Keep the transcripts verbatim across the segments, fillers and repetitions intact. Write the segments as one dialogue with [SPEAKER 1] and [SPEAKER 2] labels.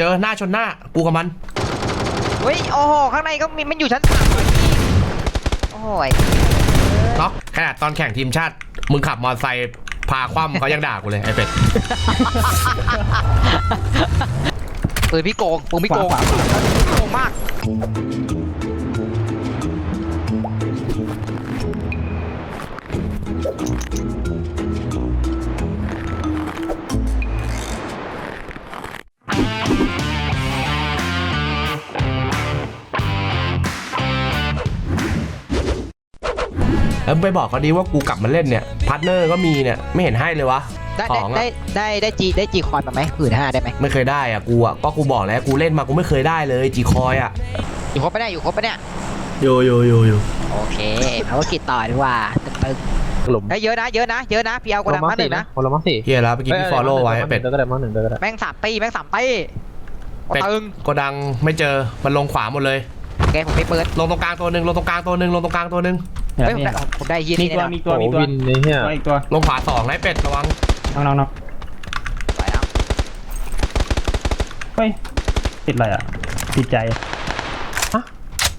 [SPEAKER 1] จอหน้าชนหน้ากูกับมัน
[SPEAKER 2] เฮ้ยโอ้โหข้างในก็มีมันอยู่ชั้นสามเลยพี่โอ้ย
[SPEAKER 1] น็อกขนาดตอนแข่งทีมชาติมึงขับมอเตอร์ไซค์พาคว่ำเขายังด่ากูเลยไอ้เป็ด
[SPEAKER 2] ปืนพี่โกงปืนพี่โกงโกงมาก
[SPEAKER 1] แล้วไปบอกเขาดีว่ากูกลับมาเล่นเนี่ยพาร์ทเนอร์ก็มีเนี่ยไม่เห็นให้เลยวะ
[SPEAKER 2] ได้ได้ได้ได้จีได้จีคอยมาไหมหมื่นห้าได้ไหม
[SPEAKER 1] ไม่เคยได้อ่ะกูอ่ะก็กูบอกแล้วกูเล่นมากูไม่เคยได้เลยจีคอยอ่ะ
[SPEAKER 2] อยู่ครบปะเนี่ยอยู่ครบปะเนี่ย
[SPEAKER 1] อยู่อยู่อยู่อยู่
[SPEAKER 2] โอเคภารกิจต่อดีกว่าตึงตึงหลุมเยอะนะเยอะนะเยอะนะพี่เอากระดังมาหนึ่งนะ
[SPEAKER 3] คนละมั้งสี่
[SPEAKER 1] เฮียแล้วเมื่อกี้พี่ฟอลโล่ไว้เป็ด
[SPEAKER 3] ก็ได้มั้งหนึ่งก็ได้
[SPEAKER 2] แม่งสามตีแม่งสามตี
[SPEAKER 1] ตึงกระดังไม่เจอมันลงขวาหมดเลย
[SPEAKER 2] โอเคผมไม่เปิด
[SPEAKER 1] ลงตรงกลางตัวหนึ่งลงตรงกลางตัวหนึ่งลงตรงกลางตัวหนึ่ง
[SPEAKER 2] เฮ้ยผมได้ผมได้ยีน
[SPEAKER 3] มีตัวมีตัวมีตัวอีกตัว
[SPEAKER 1] ลงขวาสองไอ้เป็ดระวัง
[SPEAKER 3] น้องน้องน้อง
[SPEAKER 2] ไปแล้ว
[SPEAKER 3] เฮ้ยติดอะไรอ่ะติดใจฮะ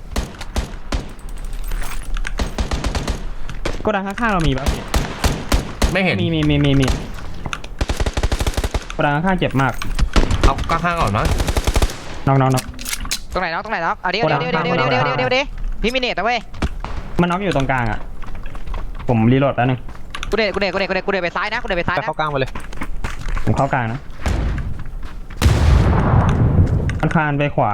[SPEAKER 3] ก็ดังข้างๆเรามีป่ะ
[SPEAKER 1] ไม่เห็น
[SPEAKER 3] มีมีมีมีมีก็ดังข้างๆเจ็บมาก
[SPEAKER 1] เอาข้างๆก่อนมั้ง
[SPEAKER 3] น้องน้องน้อง
[SPEAKER 2] ตรงไหนน้องตรงไหนน้องเอาเดี๋ยวเดี๋ยวเดี๋ยวเดี๋ยวเดี๋ยวเดี๋ยวเดี๋ยวเดี๋ยวพี่มิเนตนะเว้ย
[SPEAKER 3] มันน็อกอยู่ตรงกลางอ่ะผมรีโหลดแป๊บนึง
[SPEAKER 2] กูเดินกูเดินกูเดินกูเดินกูเดินไปซ้ายนะกูเดินไปซ้ายนะ
[SPEAKER 3] เข้ากลางไปเลยผมเข้ากลางนะมันคานไปขวา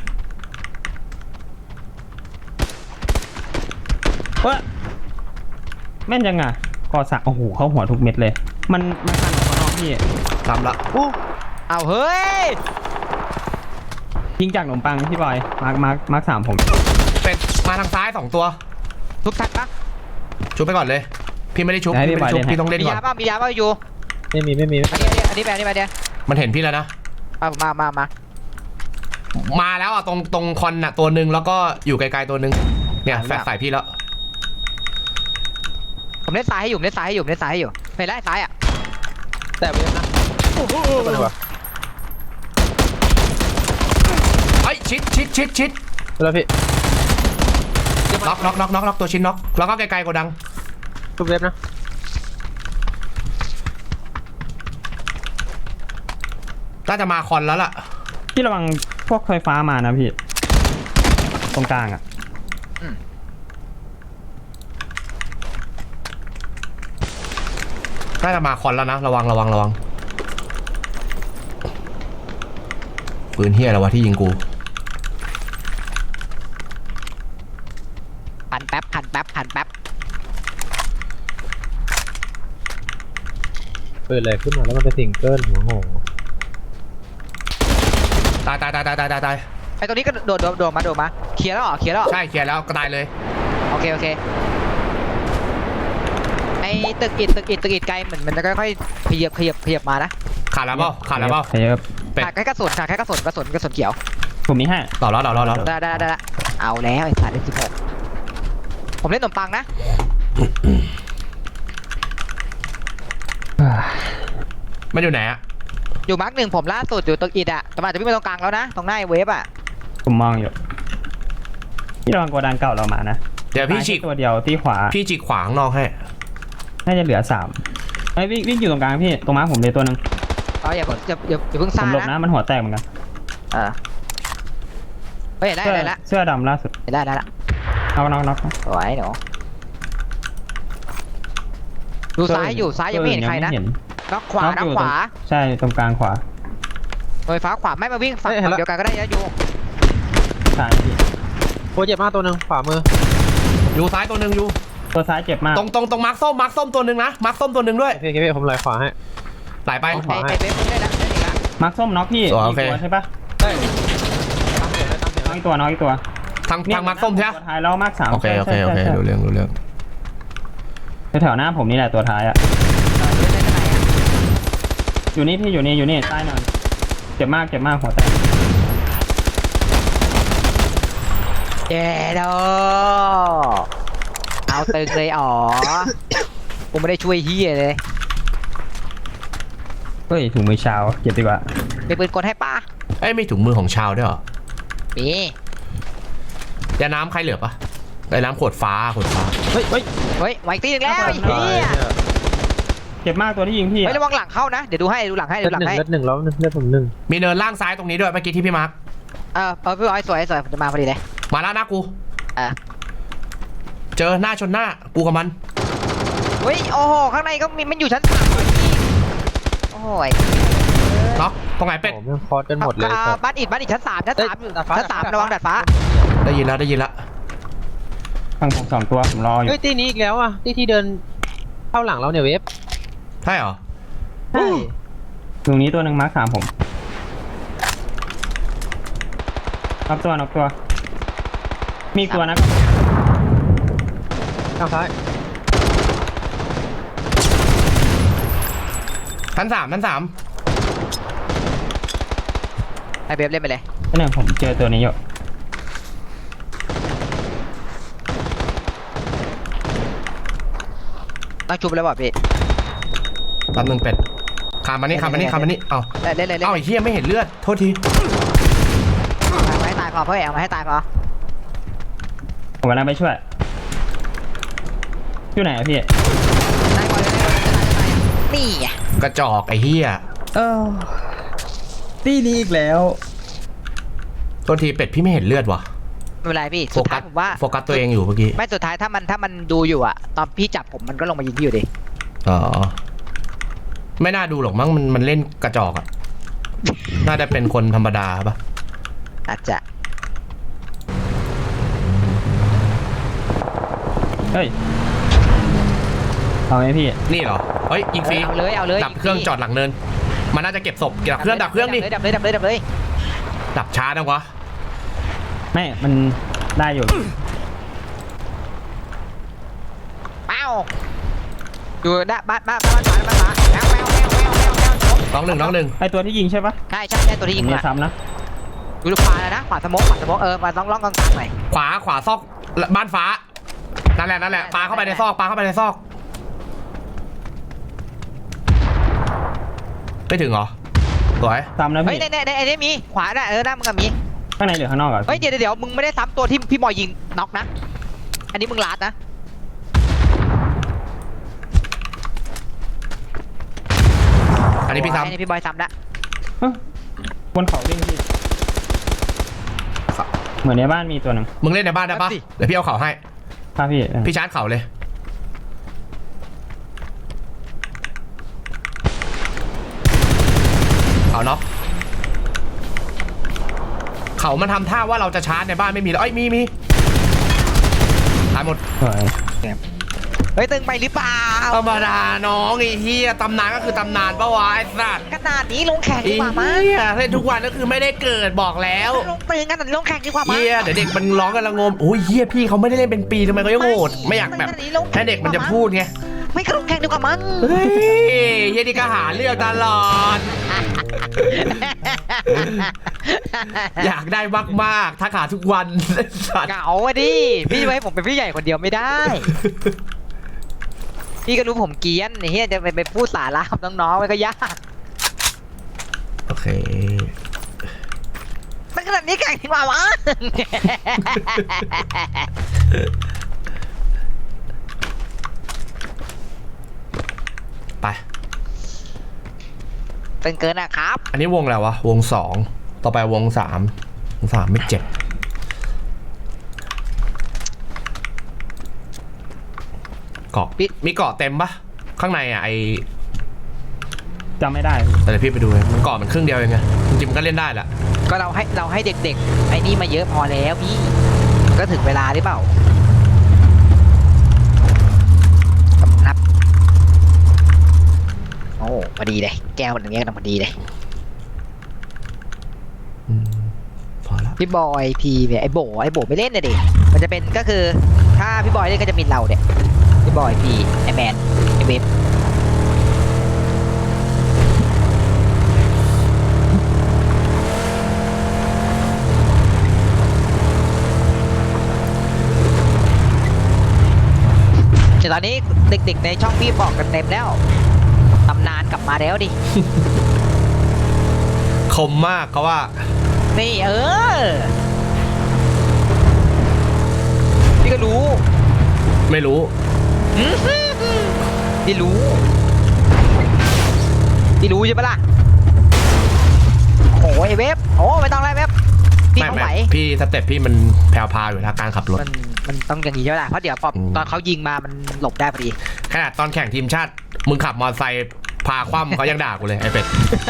[SPEAKER 3] เฮ้ยแม่นยังไงกอสักโอ้โหเข้าหัวทุกเม็ดเลยมันมันคานออกมานอกพี่
[SPEAKER 1] ทำละ
[SPEAKER 2] โอ้เอาเฮ้ย
[SPEAKER 3] ยิงจากขนมปังพี่บอยมาร์คมาร์คมาร์คสามผม
[SPEAKER 1] เป็ดมาทางซ้ายสองตัว
[SPEAKER 2] ทุบทักปะ
[SPEAKER 1] ชุบไปก่อนเลยพี่ไม่ได้ชุบพี่ไม่ได้ชุบพี่ต้องเล่นก่อน
[SPEAKER 2] มียาป่ะมียาป่ะอยู่
[SPEAKER 3] ไม่มีไม่มี
[SPEAKER 2] อันนี้อันนี้อันนี้ไปอันนี้ไปเดี๋ยว
[SPEAKER 1] มันเห็นพี่แล้วนะ
[SPEAKER 2] เอามามามา
[SPEAKER 1] มาแล้วอ่ะตรงตรงคอนน่ะตัวหนึ่งแล้วก็อยู่ไกลๆตัวหนึ่งเนี่ยแฟลชใส่พี่แล้ว
[SPEAKER 2] ผมเล่นซ้ายให้อยู่เล่นซ้ายให้อยู่เล่นซ้ายให้อยู่เห็นแล้วซ้ายอ่ะ
[SPEAKER 3] แต่ไม่นะ
[SPEAKER 1] ไอ้ชิดชิดชิดชิด
[SPEAKER 3] แล้วพี่
[SPEAKER 1] ล็อกล็อกล็อกล็อกล็อกตัวชิ้นล็อกแล้วก็ไกลๆกว่าดัง
[SPEAKER 3] ทุบเว็บนะ
[SPEAKER 1] น่าจะมาคอนแล้วล่ะ
[SPEAKER 3] พี่ระวังพวกไฟฟ้ามานะพี่ตรงกลางอ่ะ
[SPEAKER 1] น่าจะมาคอนแล้วนะระวังระวังระวังปืนเฮียอะไรวะที่ยิงกู
[SPEAKER 2] พันแป๊บพันแป๊บพันแป๊บ
[SPEAKER 3] เปิดอะไรขึ้นมาแล้วมันเป็นซิงเกิลหัวโห
[SPEAKER 1] ตายตายตายตายตายตายตาย
[SPEAKER 2] ไอตัวนี้ก็โดดโดดโดดมาโดดมาเคลียร์แล้วเหรอเคลียร์แล้ว
[SPEAKER 1] ใช่เคลียร์แล้วก็ตายเลย
[SPEAKER 2] โอเคโอเคไอตึกอิดตึกอิดตึกอิดไกลเหมือนมันจะค่อยๆขยับขยับขยับมานะ
[SPEAKER 1] ขาดแล้วเปล่าขาดแล้วเปล่า
[SPEAKER 2] ขาดแค่กระสุนขาดแค่กระสุนกระสุนกระสุนเขียว
[SPEAKER 3] ผมมีให้
[SPEAKER 1] ต่อแล้วต่อแล้ว
[SPEAKER 2] ได้ได้ได้เอาแล้วไอ้สัตว์เล่นสิบหกผมเล่นขนมปังนะ
[SPEAKER 1] มันอยู่ไหนอะ
[SPEAKER 2] อยู่มาร์กหนึ่งผมล่าสุดอยู่ตึกอิดอะแต่มาจะวิ่งไปตรงกลางแล้วนะตรงหน้าเวฟอะ
[SPEAKER 3] ผมมองอยู่พี่ระวังโกดังเก่าเรามานะ
[SPEAKER 1] เดี๋ยวพี่ฉีก
[SPEAKER 3] ตัวเดียวที่ขวา
[SPEAKER 1] พี่ฉีกขวางนอกให้
[SPEAKER 3] น่าจะเหลือสามไอ้วิ่งวิ่งอยู่ตรงกลางพี่ตรงม้าผมเลยตัวนึง
[SPEAKER 2] อ๋ออย่าอย่าอย่าอย่าเพิ่งซ่านะ
[SPEAKER 3] ผมหลบนะมันหัวแตกเหมือนกัน
[SPEAKER 2] อ่าเฮ้ยได้ได้ละ
[SPEAKER 3] เสื้อดำล่าสุด
[SPEAKER 2] ได้ได้ละ
[SPEAKER 3] เอาน็อกน็อก
[SPEAKER 2] สวยหนูดูซ้ายอยู่ซ้ายยังไม่เห็นใครนะน็อกขวาน็อกขวา
[SPEAKER 3] ใช่ตรงกลางขวา
[SPEAKER 2] ไฟฟ้าขวาไม่มาวิ่งฝั่งเดียวกันก็ได้นะยู
[SPEAKER 3] ใช่โคเจ็บมากตัวหนึ่งขวามือ
[SPEAKER 1] อยู่ซ้ายตัวหนึ่งอยู่
[SPEAKER 3] ตัวซ้ายเจ็บมาก
[SPEAKER 1] ตรงตรงตรงมาร์คส้มมาร์คส้มตัวหนึ่งนะมาร์คส้มตัวหนึ่งด้วย
[SPEAKER 3] พี่พี่ผมไหลขวาให้
[SPEAKER 1] ไหลไป
[SPEAKER 2] ไอไอเบฟได้แล้วได้อีกแล้ว
[SPEAKER 3] มาร์คส้มน็อกพี่
[SPEAKER 1] อีก
[SPEAKER 3] ตัวใช่ปะใช่น็อกอีกตัวน็อกอีกตัว
[SPEAKER 1] ทางทางมาร์คส้มใช่ไหม
[SPEAKER 3] ตัวท้ายแล้วมาร์คสาม
[SPEAKER 1] โอเคโอเคโอเคดูเรื่องดูเรื่อง
[SPEAKER 3] แถวหน้าผมนี่แหละตัวท้ายอ่ะอยู่นี่พี่อยู่นี่อยู่นี่ใต้หน่อยเจ็บมากเจ็บมากหัวแตก
[SPEAKER 2] เจ๊ดอเอาตึงเลยอ๋อกูไม่ได้ช่วยเฮียเลย
[SPEAKER 3] เฮ้ยถุงมือเช้าเก็บดีกว่า
[SPEAKER 2] ไปปืนกดให้ป้า
[SPEAKER 1] อ้ยมีถุงมือของชาวด้วยเหรอ
[SPEAKER 2] มี
[SPEAKER 1] ยาน้ำใครเหลือปะไอ้น้ำขวดฟ้าขวดฟ้า
[SPEAKER 3] เฮ้ยเฮ้ย
[SPEAKER 2] เฮ้ยไวตีหนึ่งแล้วไอ้เหี้ย
[SPEAKER 3] เจ็บมากตัวที่ยิงพี่
[SPEAKER 2] เฮ้ยระวังหลังเข้านะเดี๋ยวดูให้ดูหลังให้
[SPEAKER 4] เลื
[SPEAKER 2] ดู
[SPEAKER 4] อด
[SPEAKER 2] หลัง
[SPEAKER 4] หนึ่ง
[SPEAKER 2] ให้
[SPEAKER 4] เลือดหนึ่งแล้วเลือดผมหนึ่ง
[SPEAKER 1] มีเนินล่างซ้ายตรงนี้ด้วยเมื่อกี้ที่พี่มาร์ค
[SPEAKER 2] เออเออพี่บอยสวยสวยผมจะมาพอดีเลย
[SPEAKER 1] มาแล้วนะกู
[SPEAKER 2] อ่ะ
[SPEAKER 1] เจอหน้าชนหน้ากูกับมัน
[SPEAKER 2] เฮ้ยโอ้โหข้างในก็มีมันอยู่ชั้นสามเลยพี่โอ้ย
[SPEAKER 1] เนาะตรงไหนเป็ด
[SPEAKER 4] โอ้แม่งคอร์สกันหมดเลย
[SPEAKER 2] อ่า
[SPEAKER 4] ครับ
[SPEAKER 2] บ้านอิดบ้านอิดชั้นสามชั้นสามอยู่ชั้นสามระวังดาดฟ้า
[SPEAKER 1] ได้ยินแล้วได้ยินแล้ว
[SPEAKER 3] ฝั่งผมสองตัวผมรออยู่
[SPEAKER 4] เฮ้ยตีนี้อีกแล้วอ่ะตีที่เดินเข้าหลังเราเนี่ยเวฟ
[SPEAKER 1] ใช่เหรอ
[SPEAKER 4] ใช่
[SPEAKER 3] ตรงนี้ตัวหนึ่งมาร์คสามผมนับตัวนับตัว มีอีกตัวนะ
[SPEAKER 4] ทางซ้าย
[SPEAKER 1] ชั้นสามชั้นสาม
[SPEAKER 2] ให้เบฟเล่นไปเลย
[SPEAKER 3] ตัวหนึ่งผมเจอตัวนี้อยู่
[SPEAKER 2] ต้องชุบแล้วบอกพี่
[SPEAKER 1] แป๊บนึงเป็ดขามมานี่ขามมานี่ขามมานี่เอ้า
[SPEAKER 2] เล่นเล่นเล่นเล่น
[SPEAKER 1] เอ้าไอ้เหี้ยไม่เห็นเลือดโทษที
[SPEAKER 2] เอามาให้ตายพอเพื่อเอามาให้ตายพอ
[SPEAKER 3] ผมกำลังไปช่วยอยู่ไหนอะพี่
[SPEAKER 2] ตายก่อนเลยตายตายตายนี่ไง
[SPEAKER 1] กระจอกไอ้เหี้ย
[SPEAKER 3] เออตีนี้อีกแล้ว
[SPEAKER 1] โทษทีเป็ดพี่ไม่เห็นเลือดว่ะ
[SPEAKER 2] ไม่เป็นไรพี่
[SPEAKER 1] โฟ
[SPEAKER 2] สุด
[SPEAKER 1] กั
[SPEAKER 2] ท้าย
[SPEAKER 1] ส
[SPEAKER 2] ผมว่า
[SPEAKER 1] โฟกัสตัวเองอยู่เมื่อกี้
[SPEAKER 2] ไม่สุดท้ายถ้ามันถ้ามันดูอยู่อะตอนพี่จับผมมันก็ลงมายิงพี่อยู่ดิ
[SPEAKER 1] อ๋อไม่น่าดูหรอกมั้งมันมันเล่นกระจอกอะน่าจะเป็นคนธรรมดาปะ
[SPEAKER 2] อาจจะ
[SPEAKER 3] เฮ้ยเอาไหมพี่
[SPEAKER 1] นี่เหรอเฮ้ยยิงฟรี
[SPEAKER 2] เอาเลยเอาเลย
[SPEAKER 1] ดับเครื่องจอดหลังเนิน มันน่าจะเก็บศพดับเครื่องดับเครื่องดิ
[SPEAKER 2] ดับเลยดับเลยดับเลย
[SPEAKER 1] ดับช้านะวะ
[SPEAKER 3] ไม่ มันได้อยู่
[SPEAKER 2] เป้าอยู่ด้านบ้านบ้านบ้านบ้านบ้านบ้านแมวแมวแมวแมวแมวแมว
[SPEAKER 1] น้องหนึ่งน้องหนึ่ง
[SPEAKER 3] ไอตัวที่ยิงใช่ปะ
[SPEAKER 2] ใช่ใช่ใช่ตัวที่ยิง
[SPEAKER 3] ผม
[SPEAKER 2] มา
[SPEAKER 3] จะซ้ำนะ
[SPEAKER 2] ดูลูกขวาแล้วนะขวาสมองขวาสมองเออมาล่องล่องกลางๆหน่อย
[SPEAKER 1] ขวาขวาซอกบ้านฟ้านั่นแหละนั่นแหละปาเข้าไปในซอกปาเข้าไปในซอกไม่ถึงเหรอสวย
[SPEAKER 3] ซ้ำนะ
[SPEAKER 2] เฮ้ย
[SPEAKER 3] พี่
[SPEAKER 2] ในในในไอ้นี่มีขวาน่ะเออหน้ามึงกับมี
[SPEAKER 3] ข้างในหรือข้างนอกอะ
[SPEAKER 2] เฮ้ยเดี๋ยวเดี๋ยวมึงไม่ได้ซ้ำตัวที่พี่บอยยิงน็อกนะ อันนี้มึงลาดนะ
[SPEAKER 1] อันนี้พี่ซ้
[SPEAKER 2] อันนี้พี่บอยซ้ำละ
[SPEAKER 3] เอ้ยบนเขาวิ่งพี่ เหมือนในบ้านมีตัวหนึ่ง
[SPEAKER 1] ำมึงเล่นในบ้านได้ปะเดี๋ยวพี่เอาเข่าให้
[SPEAKER 3] พาพี่
[SPEAKER 1] พี่ชาร์จเข่าเลยเข่าน็อกเข่ามันทำท่าว่าเราจะชาร์จในบ้านไม่มีแล้วเอ้ยมีมีตายหมด
[SPEAKER 3] สวย
[SPEAKER 2] เฮ้ยตึงไปหรือเปล่า
[SPEAKER 1] ธรรมดาน้องไอ้เฮียตำนานก็คือตำนานปะวะไอ้สัตว์
[SPEAKER 2] ขนาดนี้ลงแข่ง
[SPEAKER 1] ไอ้
[SPEAKER 2] ดีกว่ามั้ง
[SPEAKER 1] เฮียเล่นทุกวันก็คือไม่ได้เกิดบอกแล้ว
[SPEAKER 2] ลงตึงกันแต่ลงแข่งดีกว่ามั้ง
[SPEAKER 1] เฮียเดี๋ยวเด็กมันร้องกันละงมโอ้ยเฮียพี่เขาไม่ได้เล่นเป็นปีทำไมเขายังโหดไม่อยากแบบให้เด็กมันจะพูดไง
[SPEAKER 2] ไม่ก็ลงแข่งดีกว่ามั้ง
[SPEAKER 1] เฮ้ยเฮียนี่ก็หาเรื่องตลอด อยากได้มากๆทักหาทุกวันสัตว์
[SPEAKER 2] เหงาอะดิพี่จะให้ผมเป็นพี่ใหญ่คนเดียวไม่ได้ พี่ก็รู้ผมเกรียนไอ้เฮียจะไปไปพูดสาระกับน้องๆมันก็ยาก
[SPEAKER 1] โอเค
[SPEAKER 2] มันขนาดนี้แข่งดีกว่าวะ
[SPEAKER 1] ไป
[SPEAKER 2] เป็นเกินอะครับ
[SPEAKER 1] อันนี้วงอะไรวะวงสองต่อไปวงสามวงสามไม่เจ็บเกาะมีเกาะเต็มปะข้างในอ่ะไอ
[SPEAKER 3] จำไม่ได้พี่
[SPEAKER 1] แต่เดี๋ยวพี่ไปดูเลยมันเกาะมันครึ่งเดียวเองไงจริงๆมันก็เล่นได้แหละ
[SPEAKER 2] ก็เราให้เราให้เด็กๆไอ้นี่มาเยอะพอแล้วพี่ก็ถึงเวลาหรือเปล่าครับโอ้พอดีเลยแก้วอย่างเงี้ยกำลังพอดีเลย
[SPEAKER 1] อืมพอละ
[SPEAKER 2] พี่บอยพีเนี่ยไอ้โบไอ้โบไม่เล่นนะเด็กมันจะเป็นก็คือถ้าพี่บอยเล่นก็จะมีเราเนี่ยพี่บอยพีไอ้แมนไอ้เวฟแต่ตอนนี้เด็กๆในช่องพี่บอกกันเต็มแล้วตำนานกลับมาแล้วดิ
[SPEAKER 1] เคมมากเขาว่า
[SPEAKER 2] นี่เออพี่ก็รู้
[SPEAKER 1] ไม่รู้
[SPEAKER 2] อื้อหือพี่รู้พี่รู้ใช่ปะล่ะโอ้ยเว็บโอ้ไม่ต้องไล่เว็บพี่
[SPEAKER 1] ไม่
[SPEAKER 2] เขา
[SPEAKER 1] ไม่
[SPEAKER 2] ไหว
[SPEAKER 1] พี่สเต็ปพี่มันแผ่วพราวอยู่แล้วการขับรถ
[SPEAKER 2] มันมันต้องอย่างนี้ใช่ปะล่ะเพราะเดี๋ยวพอ
[SPEAKER 1] อืม
[SPEAKER 2] ตอนเขายิงมามันหลบได้พอดี
[SPEAKER 1] ขนาดตอนแข่งทีมชาติ มึงขับมอเตอร์ไซค์พาคว่ำเขายังด่ากูเลยไอ้เป็ด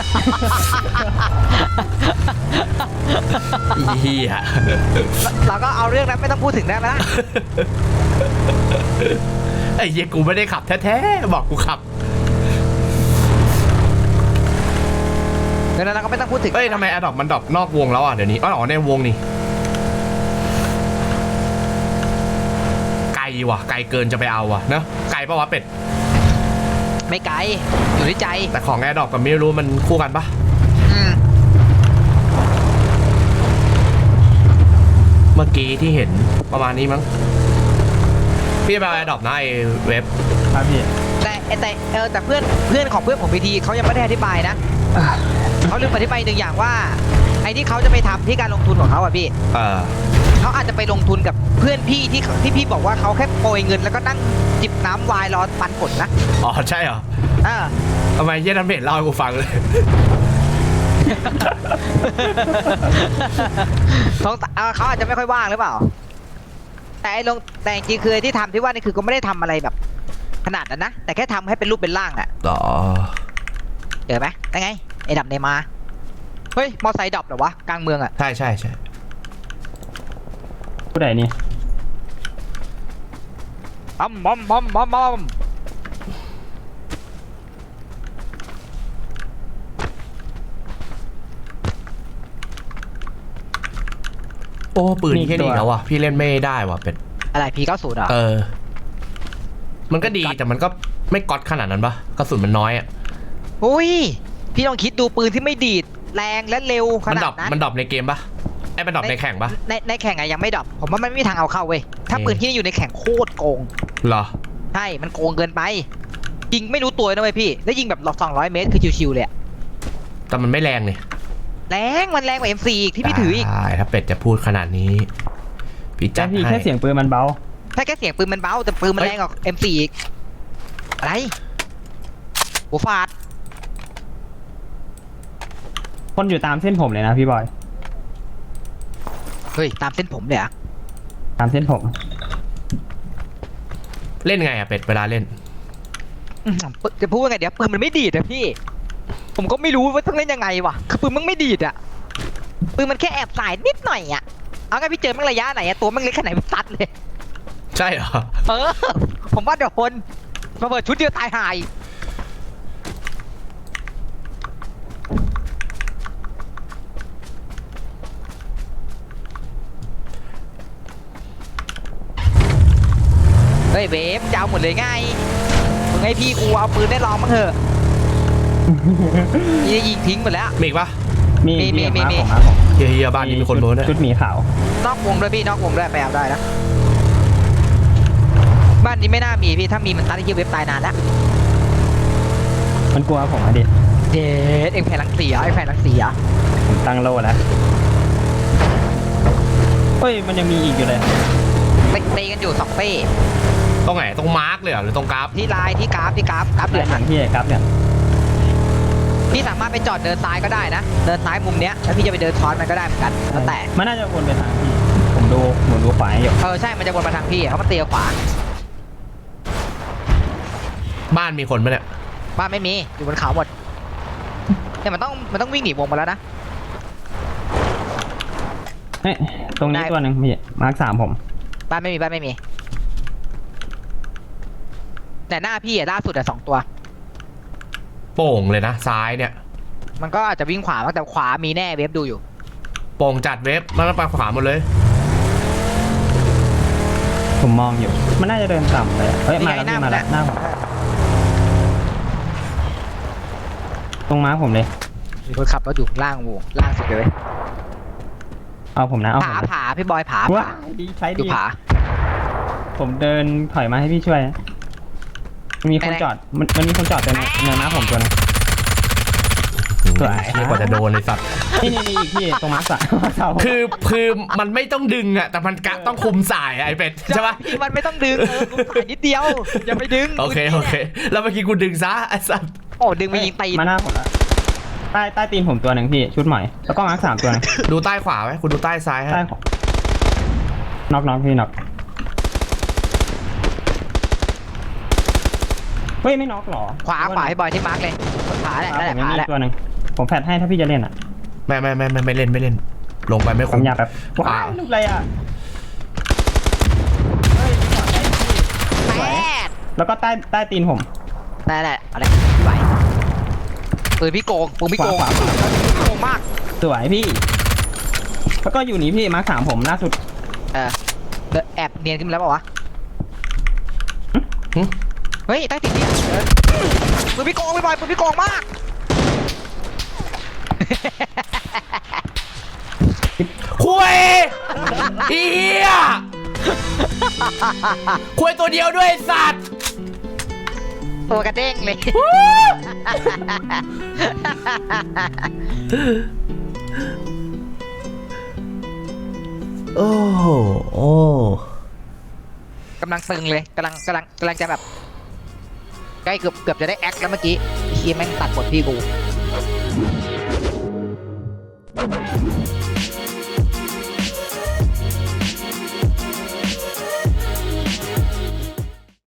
[SPEAKER 1] อีเหี้ย
[SPEAKER 2] เราก็เอาเรื่องนั้นไม่ต้องพูดถึงได้ไหมล่ะ
[SPEAKER 1] ไอ้เหี้ยกูไม่ได้ขับแท้ๆบอกกูขับ
[SPEAKER 2] เดี๋ยวนั้นเราก็ไม่ต้องพูดถึง
[SPEAKER 1] เอ้ยทำไมแอดดอกมันดรอปนอกวงแล้วอ่ะเดี๋ยวนี้อ๋อในวงนี่ไกลว่ะไกลเกินจะไปเอาว่ะเนอะไกลปะวะเป็ด
[SPEAKER 2] ไม่ไกลอยู่ที่ใจ
[SPEAKER 1] แต่ของแอดดอกกับไม่รู้มันคู่กันปะ
[SPEAKER 2] อืม
[SPEAKER 1] เมื่อกี้ที่เห็นประมาณนี้มั้งพี่ไปเอาแอดดอกนะไอเว็บ
[SPEAKER 3] ครับพี่
[SPEAKER 2] แต่แต่เออแต่เพื่อนเพื่อนของเพื่อนผมพีทีเขายังไม่ได้อธิบายนะเขาลืมอธิบายหนึ่งอย่างว่าไอ้ที่เขาจะไปทำที่การลงทุนของเขาอะพี่
[SPEAKER 1] เออ
[SPEAKER 2] เขาอาจจะไปลงทุนกับเพื่อนพี่ที่ที่พี่บอกว่าเขาแค่โปรยเงินแล้วก็นั่งจิบน้ำไวน์รอปันผลนะ
[SPEAKER 1] อ๋อใช่เหรอ
[SPEAKER 2] เออ
[SPEAKER 1] ทำไมเหี้ยนันเบ็ดเล่าให้กูฟังเลย
[SPEAKER 2] สงสัยเออเขาอาจจะไม่ค่อยว่างหรือเปล่า แต่ไอ้ลงแต่จริงๆคือไอ้ที่ทำที่ว่านี่คือก็ไม่ได้ทำอะไรแบบขนาดนั้นนะแต่แค่ทำให้เป็นรูปเป็นร่างอะ
[SPEAKER 1] ต่อ
[SPEAKER 2] เจอไหมได้ไงไอ้ดับในมาเฮ้ยมอไซค์ดับเหรอวะกลางเมืองอะ
[SPEAKER 1] ใช่ใช่ใช่
[SPEAKER 3] ผู้ใดนี่
[SPEAKER 2] บอมบอมบอมบอมบอม
[SPEAKER 1] โอ้ปืนแค่นี้แล้ววะพี่เล่นไม่ได้ว่ะเป็ด
[SPEAKER 2] อะไรพีเก้าศูนย์อ่ะ
[SPEAKER 1] เออ มันก็ดีแต่มันก็ไม่ก๊อตขนาดนั้นปะกระสุนมันน้อยอ่ะ
[SPEAKER 2] อุ้ยพี่ลองคิดดูปืนที่ไม่ดีดแรงและเร็วข
[SPEAKER 1] มัน
[SPEAKER 2] นา
[SPEAKER 1] ดร
[SPEAKER 2] ด
[SPEAKER 1] อป
[SPEAKER 2] นั้น
[SPEAKER 1] มันดรอปในเกมปะไอ้มันดรอปในแข่งปะ
[SPEAKER 2] ในในแข่งอะยังไม่ดรอปผมว่ามันไม่มีทางเอาเข้าเว้ยถ้า
[SPEAKER 1] เออ
[SPEAKER 2] ปืนที่อยู่ในแข่งโคตรโกง
[SPEAKER 1] เหรอ
[SPEAKER 2] ใช่มันโกงเกินไปยิงไม่รู้ตัวนะเว้ยพี่แล้วยิงแบบหลอกสองร้อยเมตรคือชิวๆเลยอะ
[SPEAKER 1] แต่มันไม่แรงเนี่ย
[SPEAKER 2] แรงมันแรงกว่า เอ็ม โฟร์ อีกที่พี่ถืออีก
[SPEAKER 1] ได้ถ้าเป็ดจะพูดขนาดนี้ พี่จั
[SPEAKER 3] แต่
[SPEAKER 1] ด
[SPEAKER 3] พี่
[SPEAKER 1] ให้
[SPEAKER 3] แค่เสียงปืนมันเบา
[SPEAKER 2] ถ้าแค่เสียงปืนมันเบาแต่ปืนมันแรงกว่า เอ็ม โฟร์ อีกอะไรหัวฟาด
[SPEAKER 3] คนอยู่ตามเส้นผมเลยนะพี่บอย
[SPEAKER 2] เฮ้ยตามเส้นผมเลยเหรอะ
[SPEAKER 3] ตามเส้นผม
[SPEAKER 1] เล่นไงอะเป็ดเวลาเล่น
[SPEAKER 2] จะพูดว่าไงเดี๋ยวปืนมันไม่ดีดอะพี่ ผมก็ไม่รู้ว่าต้องเล่นยังไงวะคือปืนมันไม่ดีดอะปืนมันแค่แอบสายนิดหน่อยอะเอาไงพี่เจอมันระยะไหนอะตัวมันเล็กแค่ไหนมันซัดเลย
[SPEAKER 1] ใช่เหรอ
[SPEAKER 2] เออ ผมว่าโดนมาเปิดชุดเดียวตายหายเฮ้ยเบฟจะเอาหมดเลยไงมึงให้พี่กูเอาปืนได้ลองมั้งเถอะ นี่ยิงทิ้งหมดแล้ว
[SPEAKER 1] มีอีกปะ
[SPEAKER 3] มี
[SPEAKER 2] มีมี
[SPEAKER 3] มี
[SPEAKER 2] มี
[SPEAKER 3] มาผมมาผม
[SPEAKER 1] เฮียเฮียบ้านนี้มีคนโม้เนี่ย
[SPEAKER 3] ชุดหมีขาวน
[SPEAKER 2] อกวงด้วยพี่นอกวงด้วยไปเอาได้นะบ้านนี้ไม่น่ามีพี่ถ้ามีมันตัดไอ้เหี้ยเว็บตายนานแล้ว
[SPEAKER 3] มันกลัวผมอะดิ
[SPEAKER 2] เด็ดเอ็งแผ่นหลังเสียไอ้แผ่นหลังเสีย
[SPEAKER 3] ผมตั้งโล่แล้วเฮ้ยมันยังมีอีกอยู่เลย
[SPEAKER 2] ไปตีกันอยู่สองเป้
[SPEAKER 1] ตรงไหนตรงมาร์กเลยเหรอหรือตรงกราฟ
[SPEAKER 2] ที่ลายที่กราฟที่กราฟกราฟ
[SPEAKER 3] เห
[SPEAKER 2] เห
[SPEAKER 3] ลื
[SPEAKER 2] ลื
[SPEAKER 3] อ
[SPEAKER 2] อง
[SPEAKER 3] หนังพี่ครับเนี่ย
[SPEAKER 2] พี่สามารถไปจอดเดินซ้ายก็ได้นะเดินซ้ายมุมเนี้ยแล้วพี่จะไปเดินซ้อนมันก็ได้เหมือนกันแล้วแต่
[SPEAKER 3] มันน่าจะวนไปทางพี่ผมดูผมดูขวาอยู่
[SPEAKER 2] เออใช่มันจะวนมาทางพี่เขามาตีขวา
[SPEAKER 1] บ้านมีคนปะเนี่ย
[SPEAKER 2] บ้านไม่มีอยู่บนเขาหมดเนี่ยมันต้องมันต้องวิ่งหนีวงมาแล้วนะ
[SPEAKER 3] เฮ้ยตรงนี้ตัวหนึ่งพี่มาร์คสามผม
[SPEAKER 2] บ้านไม่มีบ้านไม่มี แต่หน้าพี่อะล่าสุดอะสองตัว
[SPEAKER 1] โป่งเลยนะซ้ายเนี่ย
[SPEAKER 2] มันก็อาจจะวิ่งขวาบ้างแต่ขวามีแน่เวฟดูอยู่
[SPEAKER 1] โป่งจัดเว็บมันไปขวาหมดเลย
[SPEAKER 3] ผมมองอยู่ มันน่าจะเดินต่ำไปเฮ้ย
[SPEAKER 2] นี่
[SPEAKER 3] มา
[SPEAKER 2] ไง
[SPEAKER 3] แล้ว
[SPEAKER 2] หน้า
[SPEAKER 3] พี่มาแล้ว
[SPEAKER 2] มัน
[SPEAKER 3] หน้าผมตรงม้าผมเลย
[SPEAKER 2] มีคนขับรถอยู่ล่างวงล่างสุดเลย
[SPEAKER 3] เอาผมนะเอาผ
[SPEAKER 2] ผาม
[SPEAKER 3] นะ
[SPEAKER 2] ผาพี่บอยผา
[SPEAKER 3] ว้า
[SPEAKER 2] ผา
[SPEAKER 3] ดีใช้
[SPEAKER 2] ดู
[SPEAKER 3] ดี
[SPEAKER 2] ผา
[SPEAKER 3] ผมเดินถอยมาให้พี่ช่วยนะมันมีคน
[SPEAKER 2] ไหนๆ
[SPEAKER 3] จอดมันมันมีคนจอดเต็มเลยเนินม้าผมตัวนึง
[SPEAKER 1] อื
[SPEAKER 3] สวย
[SPEAKER 1] เรียกว่าจะโดนเลยสัตว์
[SPEAKER 3] นี่นี่นี่อีกพี่ตรงมาร์คสามมาร์คสาม
[SPEAKER 1] คือคือมันไม่ต้องดึงอะแต่มันกะต้องคุมสายอะไอเป็ดใช่ปะ
[SPEAKER 2] พี่มันไม่ต้องดึงเออกูถ่ายนิดเดียวอย่าไปดึง
[SPEAKER 1] โอเคโอเค แล้วเมื่อกี้กูดึงซะไอสัตว์
[SPEAKER 2] โอ้ดึงไปยิงตีน
[SPEAKER 3] มาหน้าผมละใต้ใต้ตีนผมตัวหนึ่งพี่ชุดใหม่แล้วก็มาร์คสามตัวหนึง
[SPEAKER 1] ดูใต้ขวาไหมคุณดูใต้ซ้ายให้
[SPEAKER 3] ใต้ของน็อกน็อกพี่น็อกเฮ้ยไม่น็อกหรอ
[SPEAKER 2] ขวาขวาให้บอยที่มาร์กเลยขวาแหละ
[SPEAKER 3] ผ
[SPEAKER 2] นั่นแหละ
[SPEAKER 3] ม
[SPEAKER 2] ข
[SPEAKER 3] ยัง
[SPEAKER 2] วา
[SPEAKER 3] มี
[SPEAKER 2] แหละ
[SPEAKER 3] ตัวหนึ่งผมแฟดให้ถ้าพี่จะเล่นอ่ะ
[SPEAKER 1] ไม่ไม่ไม่ไม่ไม่เล่นไม่เล่น ลงไปไม่
[SPEAKER 3] ผ
[SPEAKER 1] คุ้
[SPEAKER 3] ม
[SPEAKER 1] ม
[SPEAKER 3] อยากแบบว้าวลูกอะไรอ่ะเฮ้ยพี่ขอได้พี่
[SPEAKER 2] แปด
[SPEAKER 3] แล้วก็ใต้ใต้ตีนผม
[SPEAKER 2] นั่นแหละอะไรไหวปืนพี่โกงปืนพี่โกง
[SPEAKER 3] ขวาขวา
[SPEAKER 2] โกงมาก
[SPEAKER 3] สวยพี่ แล้วก็อยู่นี่พี่มาร์คสามผมล่าสุด
[SPEAKER 2] เออแล้วแอบเนียนขึ้นมาแล้วเปล่าวะ
[SPEAKER 1] หึ
[SPEAKER 2] เฮ้ยใต้ติดเนี่ยเออปืนพี่โกงพี่บอยปืนพี่โกงมาก
[SPEAKER 1] คุยอีเหี้ยคุยตัวเดียวด้วยไอ้สัตว์
[SPEAKER 2] ตัวกระเด้งเลย
[SPEAKER 1] โอ้โหโอ้
[SPEAKER 2] กำลังตึงเลยกำลังกำลังกำลังจะแบบใกล้เกือบเกือบจะได้แอคแล้วเมื่อกี้เฮียแม่งตัดบทพี่กู